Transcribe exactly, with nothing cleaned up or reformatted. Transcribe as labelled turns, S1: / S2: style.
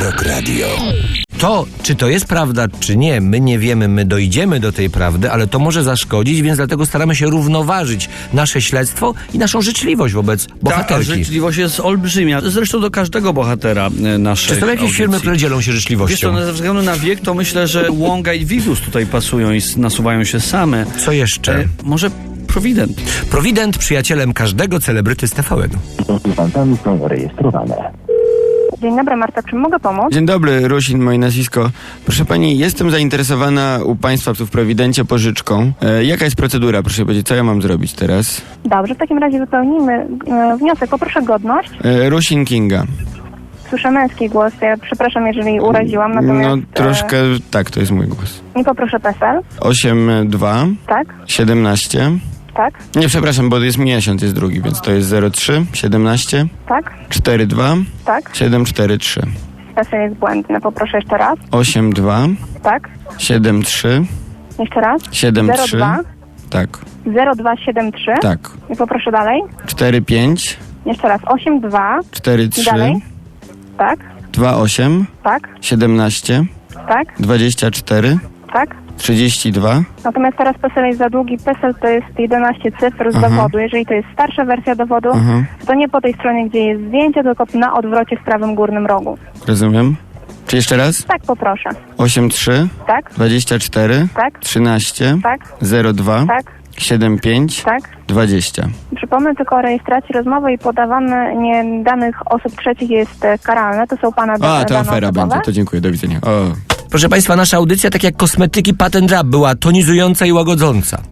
S1: Rock Radio.
S2: To, czy to jest prawda, czy nie, my nie wiemy, my dojdziemy do tej prawdy, ale to może zaszkodzić, więc dlatego staramy się równoważyć nasze śledztwo i naszą życzliwość wobec bohaterki.
S3: Ta życzliwość jest olbrzymia. Zresztą do każdego bohatera e, naszej
S2: Czy są jakieś
S3: audycji.
S2: firmy, które dzielą się życzliwością?
S3: Wiesz co, ze względu na wiek, to myślę, że Łąga i Wigus tutaj pasują i s- nasuwają się same.
S2: Co jeszcze?
S3: E, może Provident.
S2: Provident, przyjacielem każdego celebryty z T V N.
S4: Konsultantami są rejestrowane.
S5: Dzień dobry, Marta, czym mogę pomóc?
S6: Dzień dobry, Rusin, moje nazwisko. Proszę pani, jestem zainteresowana u państwa tu w Prowidencie pożyczką. E, jaka jest procedura, proszę powiedzieć, co ja mam zrobić teraz?
S5: Dobrze, w takim razie wypełnimy e, wniosek. Poproszę godność.
S6: E, Rusin Kinga.
S5: Słyszę męski głos. Ja przepraszam, jeżeli uraziłam, natomiast...
S6: No troszkę, tak, to jest mój głos.
S5: E, I poproszę P E S E L.
S6: osiem dwa
S5: Tak,
S6: siedemnaście.
S5: tak,
S6: Nie, przepraszam, bo jest miesiąc, jest drugi, więc to jest zero trzy siedemnaście
S5: tak,
S6: cztery dwa
S5: tak.
S6: siedem cztery trzy.
S5: P E S E L jest błędny. Poproszę jeszcze raz.
S6: osiem dwa
S5: Tak,
S6: siedem trzy
S5: jeszcze raz.
S6: siedem
S5: zero
S6: trzy.
S5: dwa
S6: Tak,
S5: zero dwa siedem trzy.
S6: tak.
S5: I poproszę dalej.
S6: cztery pięć
S5: Jeszcze raz. osiem dwa.
S6: cztery
S5: I
S6: trzy
S5: dalej. Tak,
S6: dwa osiem
S5: tak,
S6: siedemnaście
S5: tak,
S6: dwadzieścia cztery
S5: tak.
S6: trzydzieści dwa.
S5: Natomiast teraz P E S E L jest za długi. P E S E L to jest jedenaście cyfr z
S6: Aha.
S5: dowodu. Jeżeli to jest starsza wersja dowodu,
S6: Aha.
S5: to nie po tej stronie, gdzie jest zdjęcie, tylko na odwrocie w prawym górnym rogu.
S6: Rozumiem. Czy jeszcze raz?
S5: Tak, poproszę.
S6: osiem trzy
S5: Tak,
S6: dwadzieścia cztery
S5: tak,
S6: trzynaście
S5: tak,
S6: zero dwa
S5: tak,
S6: siedem pięć
S5: tak.
S6: dwadzieścia.
S5: Przypomnę tylko o rejestracji rozmowy i podawanie danych osób trzecich jest e, karalne. To są pana
S6: A,
S5: dane
S6: to afera
S5: osobowe.
S6: będzie. To dziękuję. Do widzenia. O.
S2: Proszę Państwa, nasza audycja, tak jak kosmetyki Patent Rap, była tonizująca i łagodząca.